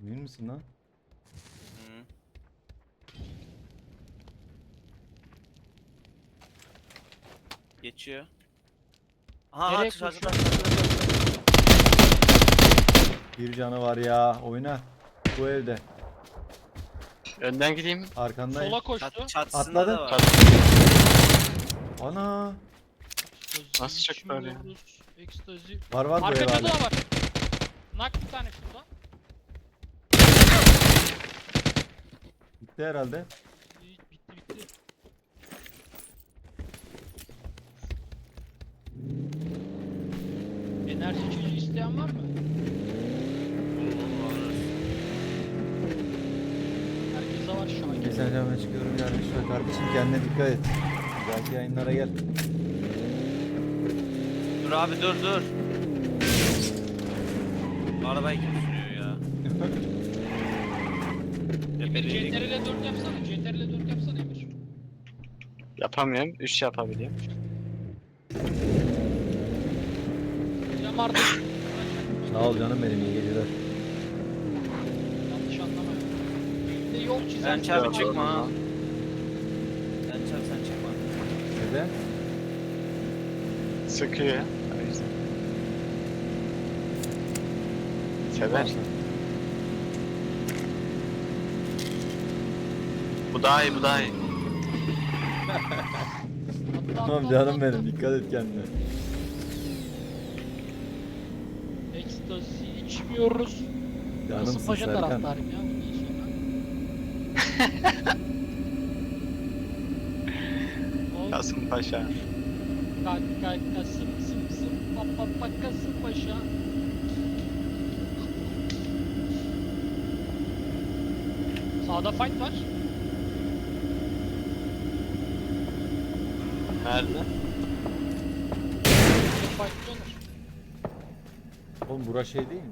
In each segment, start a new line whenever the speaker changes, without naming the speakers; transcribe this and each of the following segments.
Emin misin lan?
Hı. Geçiyor. Aha
Nereye
atış atış
koşuyor?
Bir canı var ya. Oyna. Bu evde.
Önden gideyim.
Arkandayım.
Sola koştu.
Çatısında
Atladı.
da var.
Ana.
Nasıl çıktı oraya?
İçmiyoruz. Ekstazi.
Var bu ev
Arka cadı
hala.
da var. Nak bir tane şurada.
Bitti herhalde.
Bitti. Enerji içeceği isteyen var mı? Herkese var Şakir.
Geçen camına çıkıyorum yarın şöyle kardeşim kendine dikkat et. Belki yayınlara gel.
Dur abi dur. Arabayı kim sürüyor ya?
Emir
Tepedeydik.
CTRL 4 yapsana. CTRL 4 yapsana Emir.
Yapamıyorum. 3 yapabiliyorum.
Sen vardı.
Sağ ol canım benim, iyi geceler.
Yanlış anlama ya. Bir de yol
Sen
çizen.
çabuk
Yok,
çıkma ha.
yok.
Sen çıkma.
Neden?
Sıkıyor ya. O yüzden. Sever. Bu daha iyi, bu daha iyi.
Tamam canım benim, dikkat et kendine.
Ekstazi içmiyoruz.
Canımsın
Kasımpaşa
Serkan.
taraftarıyım ya bundan sonra.
Kasımpaşa.
Kasım papa Kasımpaşa. Sağda fight var.
Nerede?
Fight döner.
Oğlum bura şey değil mi?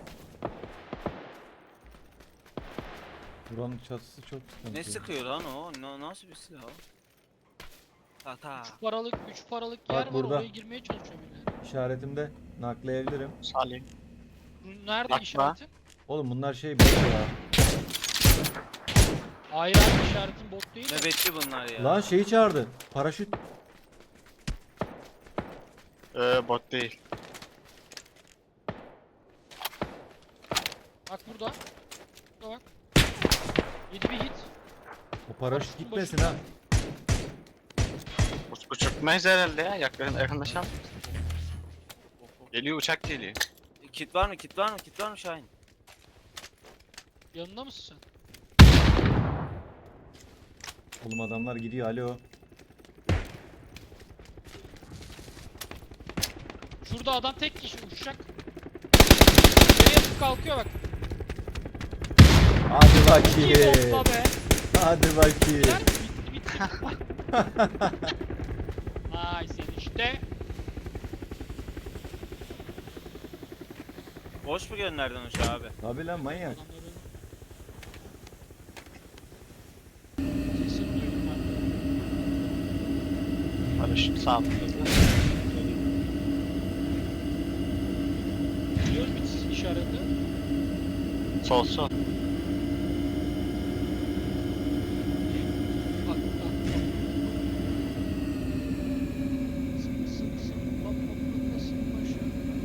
Buranın çatısı çok sıkıntı.
Ne sıkıyor lan o? Nasıl bir silah o? Ta.
3 paralık
Bak
yer var,
burada.
oraya girmeye çalışıyor birileri.
İşaretimde nakleyebilirim.
Salih.
Nerede
Bakma.
işaretin?
Oğlum bunlar şey bot ya.
Hayır abi, işaretin bot değil mi?
Nöbetçi bunlar ya.
Lan şeyi çağırdı. Paraşüt.
Bot değil.
Bak burada. Burada bak. 7 bir hit.
O paraşüt
Paraşütün
gitmesin
başı.
ha.
Uçurtmayız herhalde ya. Yakınlaşalım. Geliyor, uçak geliyor.
Kit var mı? Kit var mı Şahin?
Yanında mısın sen?
Oğlum adamlar gidiyor, alo.
Şurada adam tek kişi uçacak. Nereye yapıp kalkıyor bak.
Hadi
İyi
bakayım.
bomba be.
Hadi bakayım.
Gider mi? Bitti. Ay sen işte.
Boş mu gönderdin uçağı abi?
Tabi lan manyak.
Adamları sesini duydum ben.
Paraşüt sağ altında.
Biliyoruz biz işareti.
Sol.
Bak. Sık bak nasıl başa.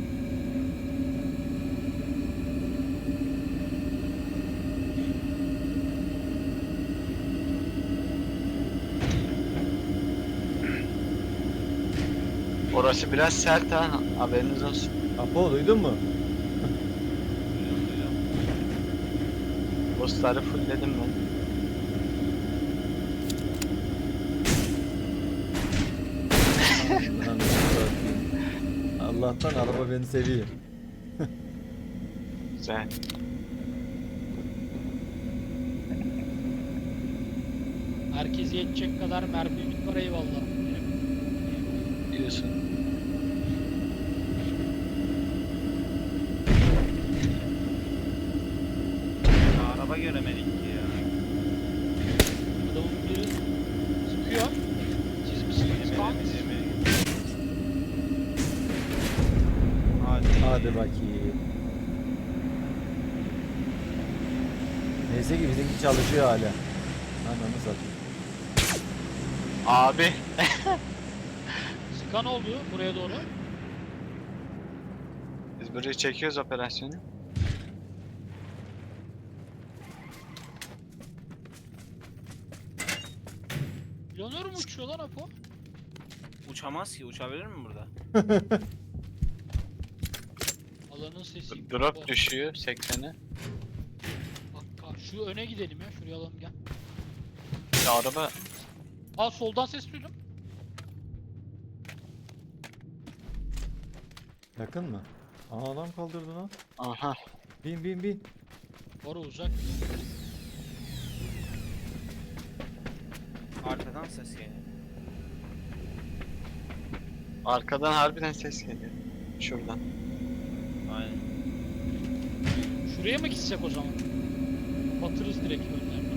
Orası biraz sert ha. Haberiniz olsun.
Apo duydun mu?
Bossları fullledim ben.
Lan Allah'tan araba beni seviyor.
Güzel.
Herkese yetecek kadar mermimiz var, eyvallah.
Diyorsun.
Araba göremedik ki ya.
Adamın biri sıkıyor. Siz misiniz? Kanka.
Hadi.
Hadi bakayım. Neyse ki bizimki çalışıyor hala. Ananı satayım.
Abi.
Skan oldu buraya doğru.
Biz burayı çekiyoruz operasyonu.
Planör mü uçuyor lan Apo?
Uçamaz ki. Uçabilir mi burada?
Alanın sesi.
Drop düşüyor 80'e.
Bak şu öne gidelim ya. Şuraya alalım gel.
Ya araba
Aa soldan ses duydum.
Yakın mı? Aa adam kaldırdı lan.
aha.
Bin bin bin.
Bora uzak.
Arkadan ses geliyor.
Arkadan harbiden ses geliyor. Şuradan.
Aynen.
Şuraya mı gitsek o zaman? Batırız direkt önlerine.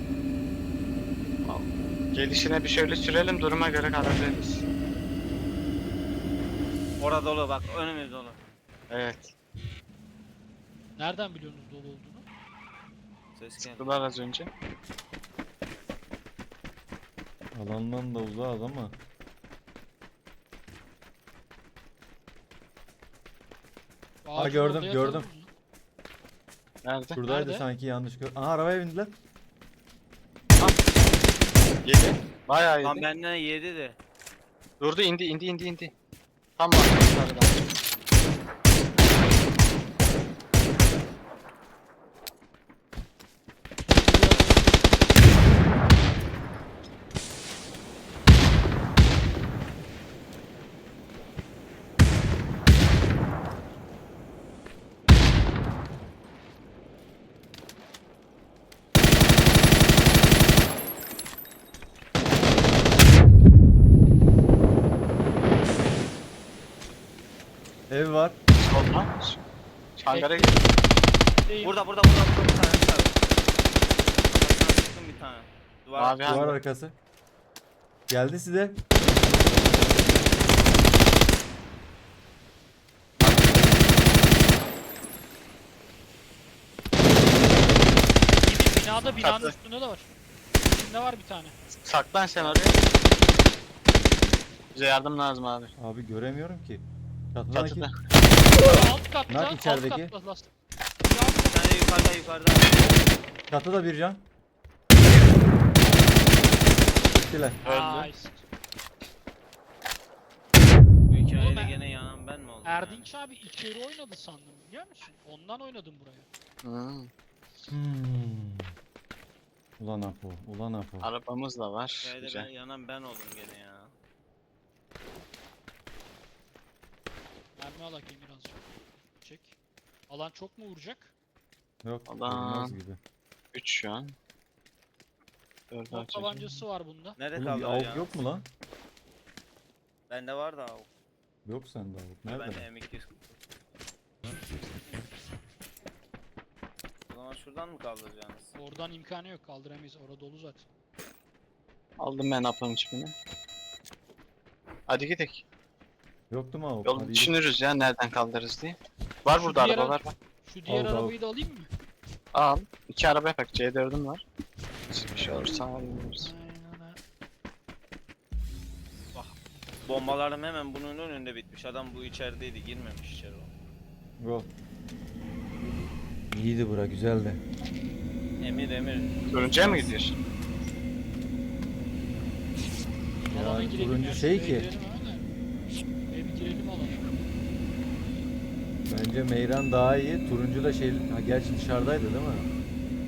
Gelişine bir şöyle sürelim, duruma göre karar veririz.
Orada dolu bak. Önümüz dolu.
Evet.
Nereden biliyorsunuz dolu olduğunu?
Ses geldi.
Sıktılar az önce.
Alandan da uzağız ama.
Ağacın
gördüm,
orada
gördüm.
yatalım mı?
Nerede?
Şuradaydı
Nerede?
sanki yanlış gör. Aha arabaya bindiler.
Yedi. Bayağı
Lan
yedi.
benden yedi de.
Durdu, indi. Tam var. Yukarıdan.
Ev var.
Solda. Hangara gir.
Değil.
Burada bir tane var. Kafasına sıktım bir tane. Duvar.
Mavi
Duvar
hangar.
arkası. Geldi size.
Binanın
Çatı.
üstünde de var. İçinde var bir tane.
Saklan sen oraya. Bize yardım lazım abi.
Abi göremiyorum ki. Çatıdaki.
Çatıda.
Alt katta.
Nak
Alt
içerideki.
katta lastik.
Bir tane yukarıda.
Çatıda bir can. Gittiler.
Öldü.
Nice.
Bu
Oğlum
hikayede
ben-
gene yanan ben mi oldum?
Erdinç abi içeri oynadı sandım biliyor musun? Ondan oynadım buraya.
Hmm.
Ulan Apo, ulan Apo.
Arabamız da var.
Hikayede ben,
Güzel.
yanan ben oldum gene ya.
Mermi alak birazcık. Çek. Alan çok mu vuracak?
Yok,
Adam.
olmaz gibi.
3 şu an. 4
Top tabancası var bunda.
Nerede
Oğlum bir
kaldı
avuk
ya?
yok mu lan?
Bende var da avuk.
Yok sende avuk.
Ben
Nerede?
de M200. O zaman şuradan mı kaldıracaksınız?
Oradan imkanı yok kaldıramayız. Orada dolu zaten.
Aldım ben apamın çipini. Hadi gidelim.
Yoktu mu avuk?
Yol
Hadi gidelim.
düşünürüz ya nereden kaldırırız diye. Var
Şu
burada
diğer
araba var.
Şu diğer
Al, al.
arabayı da alayım mı?
Al. 2 araba yapak. C4'üm var. Bir şey olursa alırız.
Aynen öyle.
Bombalarım hemen bunun önünde bitmiş. Adam bu içerideydi, girmemiş içeri o.
Go. İyiydi bura, güzeldi.
Emir.
Turuncuya mı gidiyorsun?
Alana
Yani
girelim
turuncu
ya,
şey
şuraya
ki.
girelim hemen de. Bir girelim alana.
Bence Meyran daha iyi. Turuncu da şey... Ha, gerçi dışarıdaydı değil mi?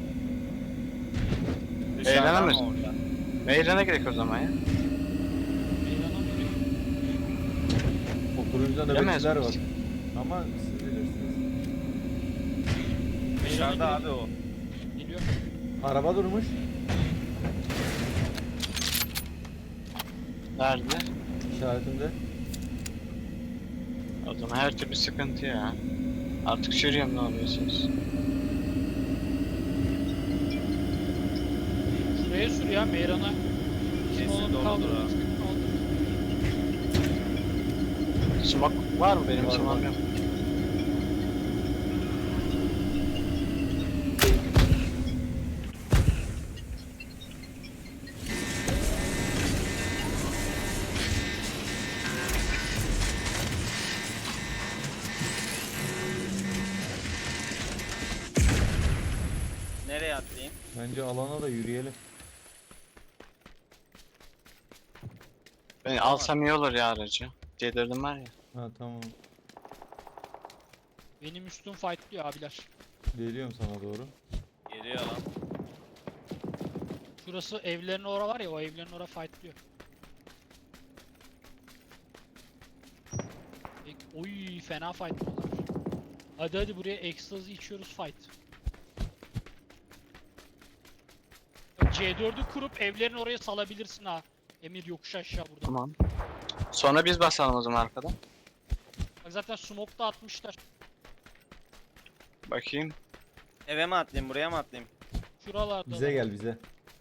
Dışarıdan
Eğlenemez.
mı orada?
Meyrana gerek o zaman ya.
Meydana mı girelim?
O turuncuda
Yemez
nöbetçiler var.
miyiz?
Ama siz bilirsiniz.
Meydana
Dışarıda abi
girelim.
o.
Geliyor.
Araba durmuş.
Nerede?
İşaretimde.
O zaman her türlü sıkıntı ya. Artık sürüyorum ne yapıyorsunuz?
Şuraya sür ya Meyran'a.
Kesin
Onu
doludur
kaldır,
ha.
kaldır.
Smoke var mı benim
Var,
smoke'um?
var.
Nereye atlayayım?
Bence alana da yürüyelim.
Ben alsam iyi olur ya aracı. C4'üm var ya.
Ha tamam.
Benim üstüm fightlıyor abiler.
Geliyorum sana doğru.
Geliyor lan.
Şurası evlerin ora var ya, o evlerin ora fightlıyor. Oy fena fightlıyorlar. Hadi hadi buraya ekstazi içiyoruz fight. C4'ü kurup evlerin oraya salabilirsin ha. Emir yokuş aşağı burada.
Tamam. Sonra biz basalım o zaman arkadan.
Bak zaten smoke da atmışlar.
Bakayım.
Eve mi atlayayım, buraya mı atlayayım?
Şuralarda.
Bize gel bize.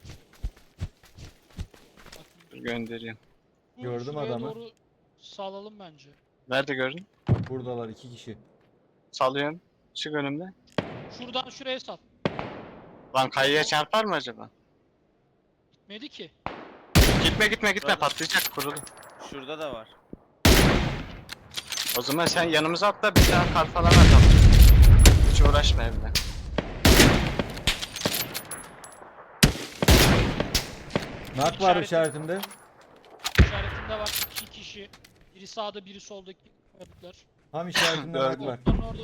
Dur göndereyim.
Gördüm
Şuraya
adamı.
doğru salalım bence.
Nerede gördün?
Buradalar 2 kişi.
Salıyorum. Çık önümde.
Şuradan şuraya sal.
Lan kayaya çarpar mı acaba?
Gitmedi ki.
Gitme
Burada.
patlayacak kurulu.
Şurada da var.
O zaman sen yanımıza atla bir daha kar falan atalım. Hiç uğraşma evde.
Nak var
İşaretim-
işaretimde.
İşaretinde var 2 kişi. Biri sağda biri soldaki kayalıklar.
Tam işaretimde nak var.
Onların orada.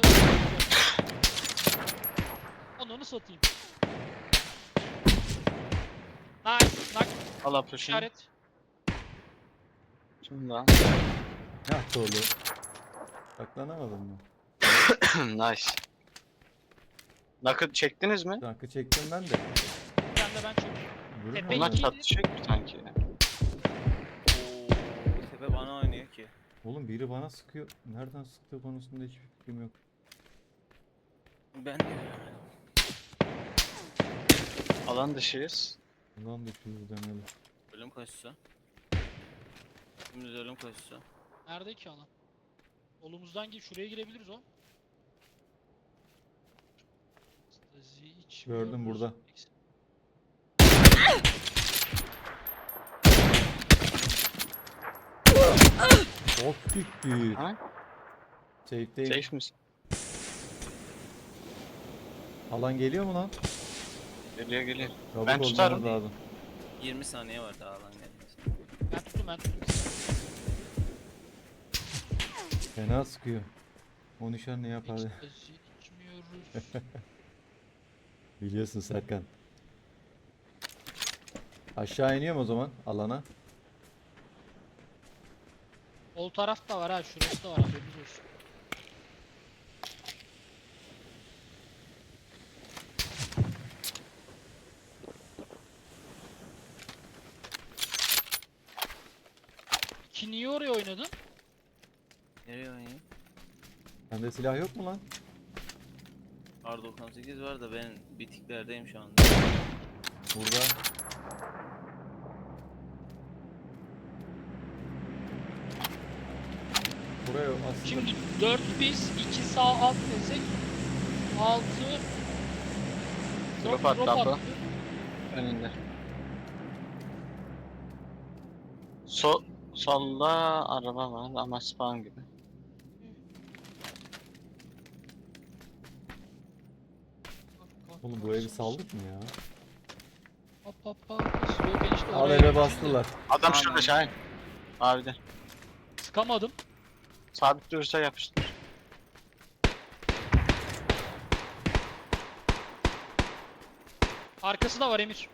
Onu satayım. Nice. Nak
Al apuşunu.
işaret.
Şundan.
Hah dolu. Saklanamadım mı?
Nice. Nakı çektiniz mi?
Nakı çektim ben de.
Bir tane de ben çekeyim.
Vurun
Tepe
ama.
Onlar
iki.
çatışacak mı sanki?
Oo, tepe bana oynuyor ki.
Oğlum biri bana sıkıyor. Nereden sıktığı konusunda hiçbir fikrim yok.
Ben de göremedim.
Alan dışıyız.
Ulan düşüyoruz demeli.
Ölüm koşusu. Dümdüz ölüm koşusu.
Nerede ki alan? Solumuzdan gir, şuraya girebiliriz o. Stazi içmiyoruz.
Gördüm burada. Of gitti.
Ha?
Safe'deyim.
Safe misin?
Alan geliyor mu lan?
Geliyor.
Çabuk
Ben
olmanız
tutarım.
lazım.
20 saniye var daha alan gelmesi.
Ben tuttum.
Fena sıkıyor. O nişan ne yapar?
Stazi içmiyoruz.
Biliyorsun Serkan. Aşağı iniyorum o zaman alana.
Sol taraf da var ha, şurası da var, haberiniz olsun. Ki niye oraya oynadın?
Nereye oynayayım?
Sende silah yok mu lan?
R98 var da ben bitiklerdeyim şu anda.
Burada. Buraya aslında
Şimdi 4 biz, 2 sağ alt desek 6
Drop attı abla. Önünde. Solda araba var ama spawn gibi.
oğlum bu evi saldık mı ya?
Hop hop hop. Yok, ben işte
Al
oraya
eve
gittim de
bastılar.
Adam
Tamam.
şurada Şahin. Abi de.
Sıkamadım.
Sabit durursa yapıştır.
Arkası da var Emir.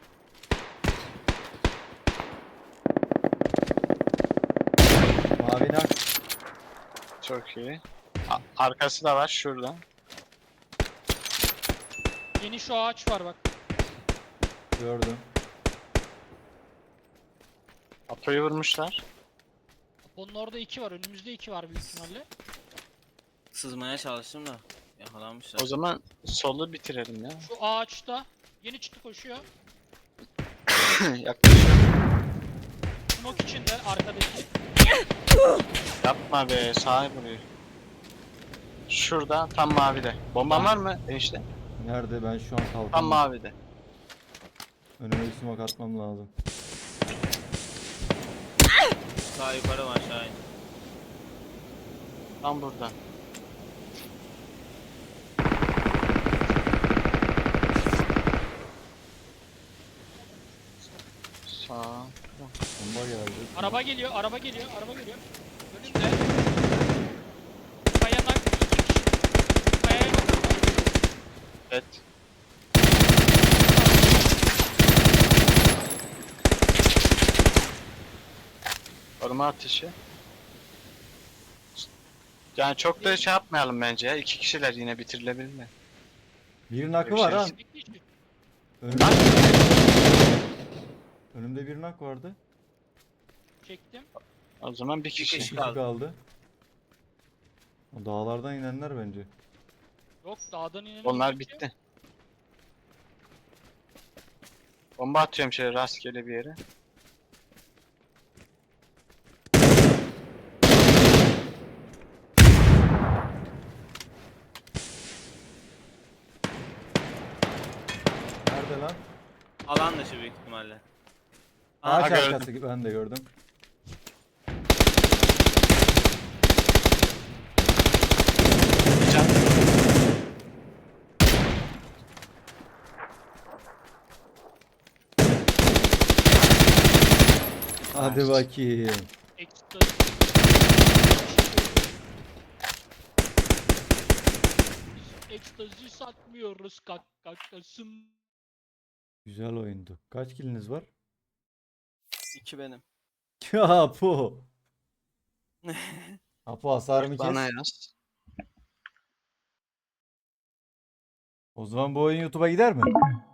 Mavi nak.
Çok iyi. Arkası da var şurada.
Yeni şu ağaç var bak.
Gördüm.
Apo'yu vurmuşlar.
Onun orada 2 var. Önümüzde 2 var büyük ihtimalle.
Sızmaya çalıştım da yakalanmışlar.
O zaman solu bitirelim ya.
Şu ağaçta. Yeni çıktı, koşuyor.
Yaklaşıyor.
Smoke içinde arkadaki.
Yapma be, sağa vuruyor. Şurada tam mavide. Bomban var mı enişte?
Nerede? Ben şu an
Tam
kalkamam.
mavide.
Önüme bir smoke atmam lazım.
Sağ yukarı var Şahin.
Tam burada.
Araba geliyor, araba geliyor, araba geliyor. Önümde. Kayanak iki kişi. Kayaya bakın.
Evet. Koruma ateşi. Yani çok da şey yapmayalım bence ya. 2 kişiler yine bitirilebilir mi?
Bir nakı var ha.
Bir kişi.
Önümde, önümde bir nak vardı.
Çektim.
O zaman bir kişi.
kişi.
İkisi kaldı. O dağlardan inenler bence.
Yok dağdan inelim.
Onlar bitti. Bomba atıyorum şöyle rastgele bir yere.
Nerede lan?
Alan dışı büyük ihtimalle.
Ağaç
Aha, gördüm.
arkası ben de gördüm.
Can.
Hadi
Nice.
bakayım.
Ekstra. Ekstazi satmıyoruz kakasın.
Güzel oyundu. Kaç kiliniz var?
2 benim.
Ya Apo. Apo hasarımı kes.
Bana yaz.
O zaman bu oyun YouTube'a gider mi?